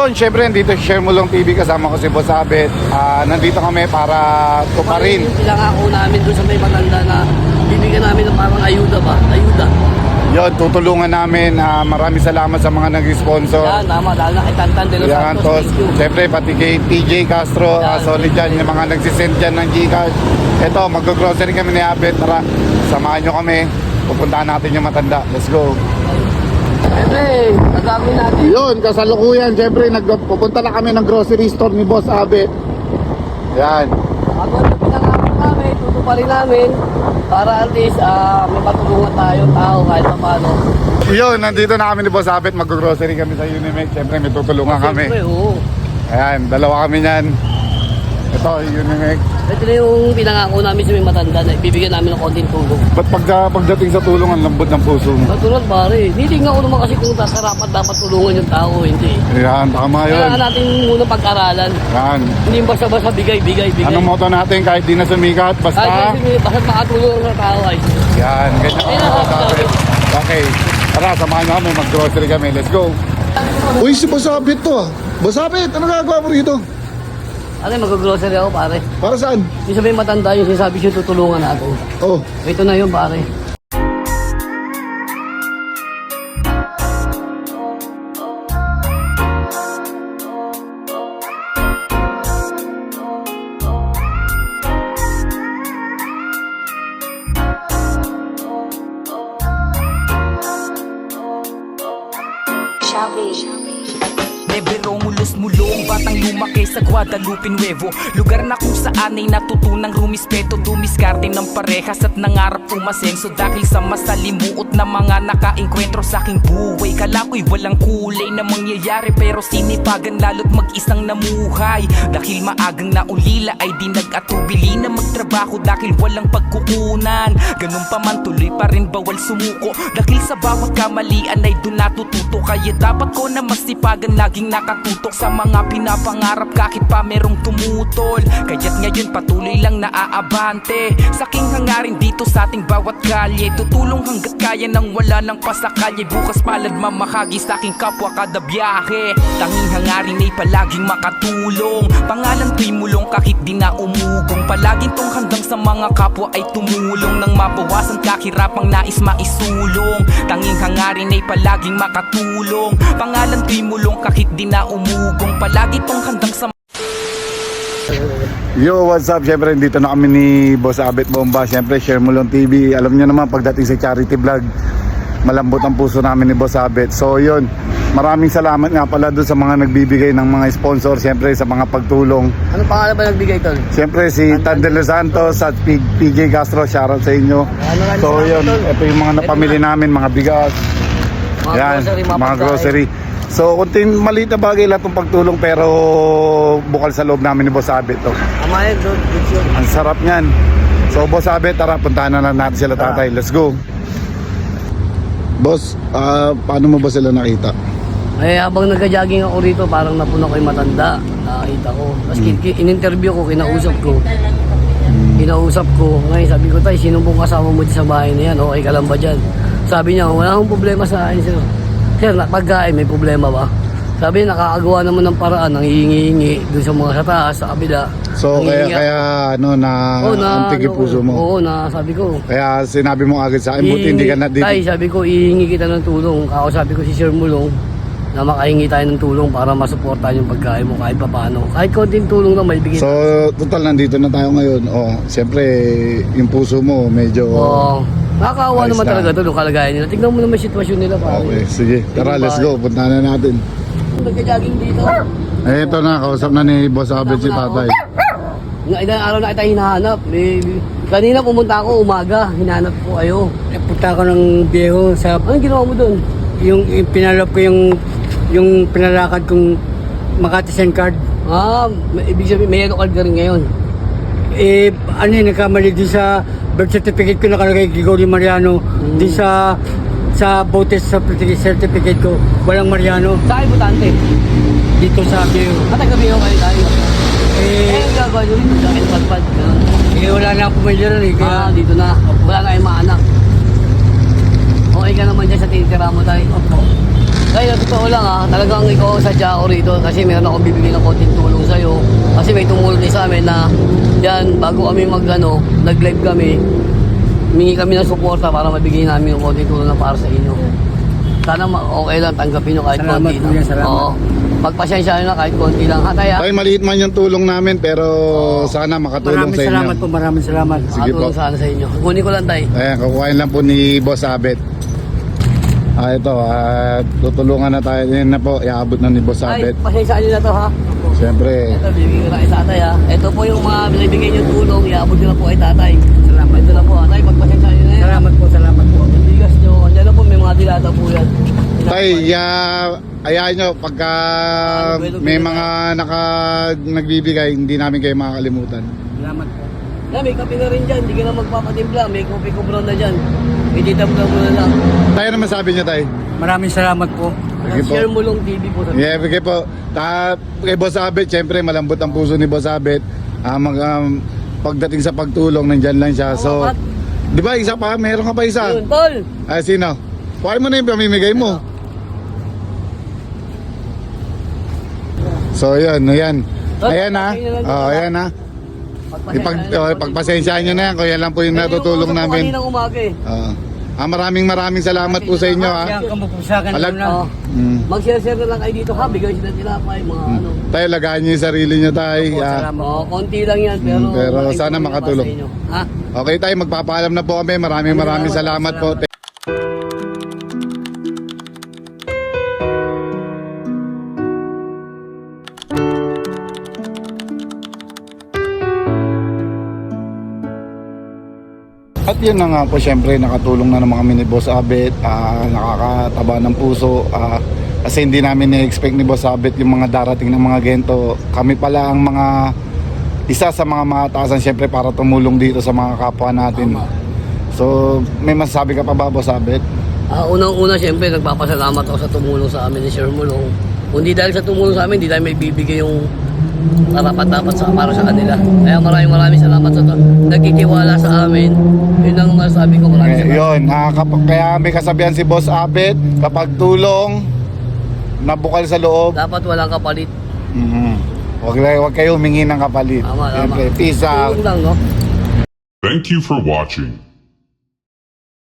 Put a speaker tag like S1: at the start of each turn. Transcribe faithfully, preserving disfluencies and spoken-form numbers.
S1: yun, syempre nandito si Share Mo Lang T V, kasama ko si Boss Abet. Ah, nandito kami para tuparin.
S2: Pinangako namin doon sa may matanda na bibigyan namin ng parang ayuda ba? Ayuda.
S1: Yun, tutulungan namin. Ah, maraming salamat sa mga nag-sponsor.
S2: Yan, tama. Dahil na kay Tantan de los
S1: Yan,
S2: Santos.
S1: tos, syempre pati kay T J Castro, ah,
S2: Yan.
S1: solid dyan, yung mga nagsisend dyan ng Gcash. Ito, mag-grocery kami ni Abet. Tara, samahan nyo kami. Pupuntahan natin yung matanda. Let's go.
S2: Siyempre, nagagawin natin.
S1: Yun, kasalukuyan. Siyempre, nagpupunta na kami ng grocery store ni Boss Abet. Yan.
S2: Ako na pinangako namin, tutuparin namin para at least ah, may matulungan tayo tao kahit pa paano.
S1: Yun, nandito na kami ni Boss Abet. Mag-grocery kami sa Unimed. Siyempre, may tutulungan kami.
S2: Siyempre, oo.
S1: Ayan, dalawa kami niyan. Ito, Unimed.
S2: Ito na yung pinangako namin sa may matanda na ibibigyan namin ng konting tulong.
S1: Ba't pagka, pagdating sa tulong, ang lambot ng puso mo?
S2: Katulad pare, nitingnan ko naman kasi kung karapat dapat tulungan yung tao, hindi.
S1: Ayan, tama yun.
S2: Kailangan natin muna pag-aralan.
S1: Yan.
S2: Hindi basta-basta bigay, bigay, bigay.
S1: Anong motto natin kahit di na sumikat? Basta...
S2: Kahit kasi basta makatulong sa tao ay.
S1: Yan, ganyan
S2: Ayun
S1: ang
S2: ang
S1: Boss
S2: sabi
S1: Abet. Okay, tara, samahan nyo kami. Mag-grocery kami. Let's go. Uy, si Boss Abet to ah. Boss Abet, ano gagawa mo rito?
S2: Ano, mag-grocery ako pare.
S1: Para saan?
S2: Yung sabihin matanda yung sinasabi siya tutulungan natin.
S1: Oh,
S2: Ito na yun pare.
S3: Nebe Romulus mulong, batang lumaki sa Guadalupe Nuevo. Lugar na kung saan ay natutunang rumispeto, dumiskarte ng parehas at nangarap umasenso. Dahil sa masalimuot na mga nakaengkwentro sa aking buhay, kala ko'y walang kulay na mangyayari, pero sinipagan lalo't mag-isang namuhay. Dahil maagang naulila ay di nag-atubili na magtrabaho dahil walang pagkukunan. Ganun pa man tuloy pa rin bawal sumuko, dahil sa bawat kamalian ay dun natututo. Kaya dapat ko na masipagan laging nakatutok sa mga pinapangarap kahit pa merong tumutol. Kaya't ngayon patuloy lang naaabante sa aking hangarin dito sa ating bawat kalye. Tutulong hanggat kaya nang wala ng pasakalye. Bukas palad mamahagi sa aking kapwa kada biyahe. Tanging hangarin ay palaging makatulong. Pangalan ko'y mulong kahit di na umugong. Palaging tong handang sa mga kapwa ay tumulong nang mabawasan kahirapang nais maisulong. Tanging hangarin ay palaging makatulong. Pangalan ko'y mulong kahit di na umugong. Palagi tong handang sa
S1: yo, what's up? Siyempre, dito na kami ni Boss Abet Bomba. Siyempre, Share Mo Lang T V. Alam nyo naman, pagdating sa charity vlog, malambot ang puso namin ni Boss Abet. So, yun. Maraming salamat nga pala doon sa mga nagbibigay ng mga sponsor. Siyempre, sa mga pagtulong.
S2: Ano pangalan ba nagbigay tol?
S1: Siyempre, si Tan de los Santos at P J Castro. Shoutout sa inyo.
S2: Ano nga,
S1: So,
S2: salamat,
S1: yun.
S2: tol.
S1: Ito yung mga napamili namin, mga bigas.
S2: Mga
S1: Yan,
S2: grocery, mga
S1: mga
S2: pagkain.
S1: grocery. So, kunting maliit na bagay lang itong pagtulong, pero bukal sa loob namin ni Boss Abet to.
S2: Tama yan, good, good yun.
S1: Ang sarap niyan. So, Boss Abet, tara, puntahan na lang natin sila tatay. Let's go. Boss, ah, paano mo ba sila nakita?
S2: Eh, habang nagka-jogging ako rito, parang napuna ko yung matanda. Nakakita ko. Tapos hmm. in-interview ko, kinausap ko. Hmm. Kinausap ko. Ngayon, sabi ko, tay, sino pong kasama mo dyan sa bahay na yan? Okay ka lang ba dyan? Sabi niya, wala akong problema sa akin, sir. Sir, pagkain, may problema ba? Sabi niya, nakakagawa naman ng paraan, nang hihingi doon sa mga sa taas, sa kabila.
S1: So, kaya,
S2: Nangihingi-
S1: kaya, ano, na,
S2: Oo, na,
S1: antig yung puso mo.
S2: Oo, na, sabi ko.
S1: Kaya sinabi mo agad sa akin, buti hindi ka na dito.
S2: Tay, sabi ko, ihingi kita ng tulong. Ako sabi ko si Sir Mulong, na makahingi tayo ng tulong para masuportahan yung pagkain mo kahit pa paano. Kahit konting tulong na may bigay.
S1: So, total, nandito na tayo ngayon. Oh, siyempre, yung puso mo, medyo...
S2: Oo. Nakakaawa
S1: Ayos
S2: naman
S1: na.
S2: talaga ito yung kalagayan nila. Tignan mo naman yung sitwasyon nila pare.
S1: Okay, sige. Tara, let's go. Punta na natin.
S2: Nagka-jogging dito.
S1: Eh, ito na. Kausap na ni Boss Abet si tatay.
S2: Nga ilang araw na kita hinahanap. Eh, kanina pumunta ako umaga. Hinahanap ko kayo.
S4: Eh, punta ako ng Viejo sa
S2: Anong ginawa mo doon?
S4: yung, yung pinalap ko yung yung pinalakad kong Makati Send Card.
S2: Ah, may- ibig sabihin may yellow card ka rin ngayon.
S4: Eh, ano yun, nagkamali din sa birth certificate ko nakalagay Gregorio Mariano.
S2: Mm.
S4: Din sa sa voter certificate ko, walang Mariano.
S2: Saan butante?
S4: Dito sa Viejo.
S2: Matagabi ako kayo tayo. Eh,
S4: Eh,
S2: ang gagawa nyo rin sa akin padpad. Ganun.
S4: eh wala na akong pamilya ron eh. Kaya,
S2: Ah, dito na. Wala na kayong mga anak. Okay ka naman dyan sa tinitira mo tayo. Opo. Kaya totoo lang ha, talagang ikaw ang sadya ako rito kasi meron akong bibigyan ng konting tulong sa'yo. Kasi may tumulong din sa amin na yan, bago kami mag ano, nag-live kami, humingi kami ng suporta para mabigay namin yung konting tulong na para sa inyo. Sana ma- okay lang, tanggapin nyo kahit
S4: Salamat,
S2: konti lang.
S4: kuya, salamat.
S2: Oo. Pagpasensya nyo na kahit konti lang. Ha, tayo?
S1: Tay, maliit man yung tulong namin pero sana makatulong
S4: Maraming
S1: sa inyo.
S4: salamat po, maraming salamat.
S1: Sige po.
S2: Makatulong sana sa inyo. Kunin ko lang tayo.
S1: Ayan, kukuhain lang po ni Boss Abet. Ah, ito, ah, tutulungan na tayo. Yan na po, iabot na ni Boss
S2: Ay,
S1: Abet.
S2: pasensya nyo na to ha.
S1: Siyempre,
S2: Ito, bibigyan ko na kay tatay ha. Ito po yung mga binibigay nyo tulong, iabot nyo na po kay tatay.
S4: Salamat.
S2: Ito na po ha. Tay, pagpasensya nyo na yan.
S4: Salamat po, salamat po.
S2: Yung bigas nyo, andyan na po, may mga dilata po yan.
S1: tay, ya, ayahin nyo, pagka may mga naka, nagbibigay, hindi namin kayo makakalimutan.
S4: Salamat po.
S2: Na, may kape na rin dyan, hindi ka na magpapatimpla, may kopi ko brown na dyan. Ititambla mo na lang.
S1: Tayo naman sabi nyo, tay.
S4: Maraming salamat po.
S1: Sige po.
S2: Share mo lang T V po sa
S1: Yeah, bigay po. Ta kay Boss Abet, syempre malambot ang puso ni Boss Abet. Ah, mag, um, pagdating sa pagtulong, nandyan lang siya. So,
S2: Pat.
S1: di ba isa pa? Meron ka pa isa?
S2: Yun, tol!
S1: Ah, sino? Kuhain mo na yung pamimigay mo. So, yun, ayan. Ayan ha. Oh, ayan ha. Ipag, oh, pagpasensyahan nyo na yan, kung yan lang po yung natutulong namin.
S2: Kaninang umaga eh.
S1: Ah, ah, maraming maraming salamat po sa inyo ha.
S4: Kaya kamupusakan ko
S1: Alag-
S4: na.
S2: Oo.
S1: Mm.
S2: Mag-share-share na lang kayo dito ha, bigay sila tinapay, mga ano.
S1: Tayo, lagaan nyo yung sarili nyo tayo.
S4: Opo,
S1: Ah,
S4: salamat.
S2: Oo, konti lang yan, pero...
S1: Mm, pero
S2: malaking
S1: sana
S2: tulong para
S1: makatulong.
S2: sa inyo. Ha?
S1: okay tayo, magpapaalam na po kami. Maraming maraming salamat po. At yun na nga po, syempre nakatulong na naman kami ni Boss Abet, ah, nakakataba ng puso, ah, kasi hindi namin na-expect ni Boss Abet yung mga darating ng mga gento. Kami pala ang mga isa sa mga mataasan syempre para tumulong dito sa mga kapwa natin. So, may masasabi ka pa ba, Boss Abet?
S2: Ah, unang-una, siyempre, nagpapasalamat ako sa tumulong sa amin ni Sir Mulong. Kung di dahil sa tumulong sa amin, di tayo may bibigay yung karapat-dapat sa para sa kanila. Kaya maraming maraming salamat sa to. Nagkitiwala sa amin. Yun ang masasabi ko, maraming
S1: Eh,
S2: salamat.
S1: yun, ah, kap- kaya may kasabihan si Boss Abet, kapag tulong, nabukal sa loob,
S2: Dapat walang kapalit.
S1: mhm, wag, wag kayo humingi ng kapalit.
S2: Tama, tama.
S1: Siyempre, peace out.
S2: Tulong lang, no?
S5: Thank you for watching.